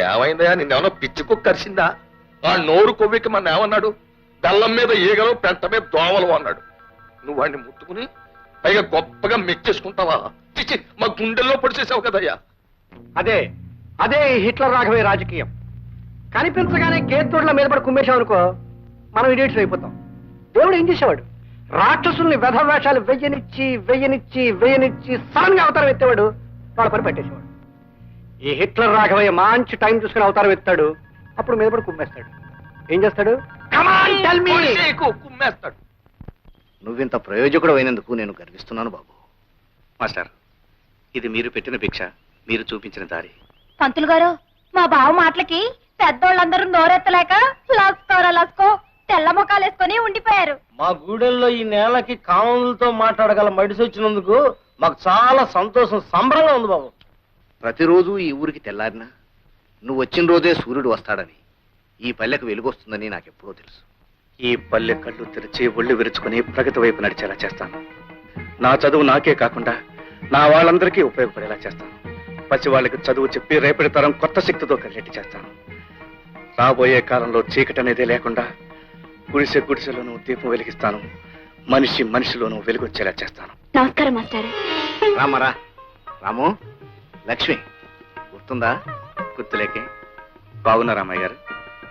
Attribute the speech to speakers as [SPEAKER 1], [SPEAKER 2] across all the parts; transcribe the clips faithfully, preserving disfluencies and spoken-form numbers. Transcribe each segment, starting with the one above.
[SPEAKER 1] ఏమైందయా? నిన్నేమన్నా పిచ్చి కుక్క కరిసిందా? ఆ నోరు కొవ్వికి మన ఏమన్నాడు? బెల్లం మీద ఈగలు, పెంట మీద దోవలు అన్నాడు. నువ్వు వాడిని ముట్టుకుని పైగా గొప్పగా మెచ్చేసుకుంటావా? చిచ్చి, మా గుండెల్లో పొడిచేసావు కదయ్యా.
[SPEAKER 2] అదే అదే హిట్లర్ రాఘవయ్య రాజకీయం. కనిపించగానే కేతుడుల మీద పడి కుమ్మేశాం అనుకో, మనం ఇడియట్స్ అయిపోతాం. దేవుడు ఏం చేసేవాడు? రాక్షసుల్ని వెధవేషాలు వెయ్యనిచ్చి వెయ్యనిచ్చి వెయ్యనిచ్చి సడన్ గా అవతారం ఎత్తేవాడు, వాళ్ళ పని పెట్టేసేవాడు. ఈ హిట్లర్ రాఘవయ్య మంచి టైం చూసుకుని అవతారం ఎత్తాడు, అప్పుడు మీద పడి కుమ్మేస్తాడు. ఏం చేస్తాడు?
[SPEAKER 1] కుమ్మేస్తాడు.
[SPEAKER 3] నువ్వింత ప్రయోజకుడు అయినందుకు నేను గర్విస్తున్నాను బాబు.
[SPEAKER 4] మాస్టర్, ఇది మీరు పెట్టిన భిక్ష, మీరు చూపించిన దారి.
[SPEAKER 5] పంతులు గారు, మా బావ మాటలకి పెద్దోళ్ళందరూ నోరెత్తలేక లస్కోరా లస్కో తెల్ల ముఖాలు వేసుకొని ఉండిపోయారు.
[SPEAKER 2] మా గూడెల్లో ఈ నేలకి కామన్లతో మాట్లాడగల మడిసి వచ్చినందుకు మాకు చాలా సంతోషం, సంబరంగా ఉంది బాబు.
[SPEAKER 3] ప్రతిరోజు ఈ ఊరికి తెల్లారినా నువ్వు వచ్చిన రోజే సూర్యుడు వస్తాడని, ఈ పల్లెకు వెలుగొస్తుందని నాకెప్పుడో తెలుసు.
[SPEAKER 4] ఈ పల్లె కళ్ళు తెరిచి ఒళ్ళు విరుచుకుని ప్రగతి వైపు నడిచేలా చేస్తాను. నా చదువు నాకే కాకుండా నా వాళ్ళందరికీ ఉపయోగపడేలా చేస్తాను. పసి వాళ్ళకి చదువు చెప్పి రేపటి తరం కొత్త శక్తితో కలిగేట్టు చేస్తాను. రాబోయే కాలంలో చీకటి అనేది లేకుండా గుడిసె గుడిసెలోనూ దీపం వెలిగిస్తాను. మనిషి మనిషిలోనూ వెలుగొచ్చేలా చేస్తాను.
[SPEAKER 5] నమస్కారం మాస్టర్.
[SPEAKER 3] రామరా రాము, లక్ష్మి గుర్తుందా?
[SPEAKER 4] గుర్తులేకే. బాగున్నా రామయ్య గారు?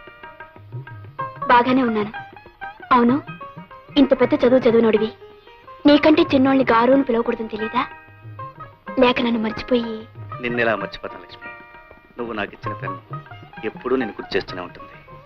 [SPEAKER 5] బాగానే ఉన్నాను. అవును, ఇంత పెద్ద చదువు చదువునోడివి, నీకంటే చిన్నోళ్ళని గారు అని పిలవకూడదని తెలీదా? లేక నన్ను మర్చిపోయి?
[SPEAKER 4] నిన్నెలా మర్చిపోతాను లక్ష్మి? నువ్వు నాకు ఇచ్చిన పెన్ను ఎప్పుడూ నేను గుర్తు చేస్తూనే ఉంటుంది.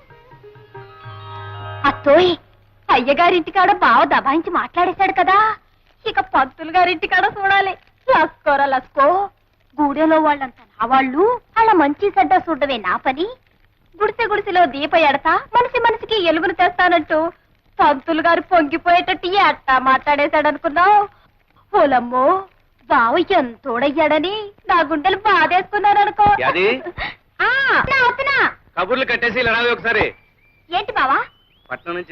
[SPEAKER 5] అత్తోయ్, అయ్యగారింటికాడ బావ దబాయించి మాట్లాడేశాడు కదా, ఇక పంతులు గారింటికాడ చూడాలి. లస్కోరా లస్కో, గూడెలో వాళ్ళంతా నా వాళ్ళు, అలా మంచి చెడ్డ చూడవే నా పని. గుడిసె గుడిసెలో దీప ఎడతా మనిషి మనిషికి ఎలుగును తెస్తానంటూ పంతులు గారు పొంగిపోయేటట్టు ఎట్టా మాట్లాడేశాడనుకున్నావు? ఓలమ్మో, బావ ఎంతోడయ్యాడని నా గుండెలు బాధేసుకున్నారనుకో.
[SPEAKER 4] కబుర్లు కట్టేసి ఇలా ఒకసారి.
[SPEAKER 5] ఏంటి బావా?
[SPEAKER 4] పట్నం నుంచి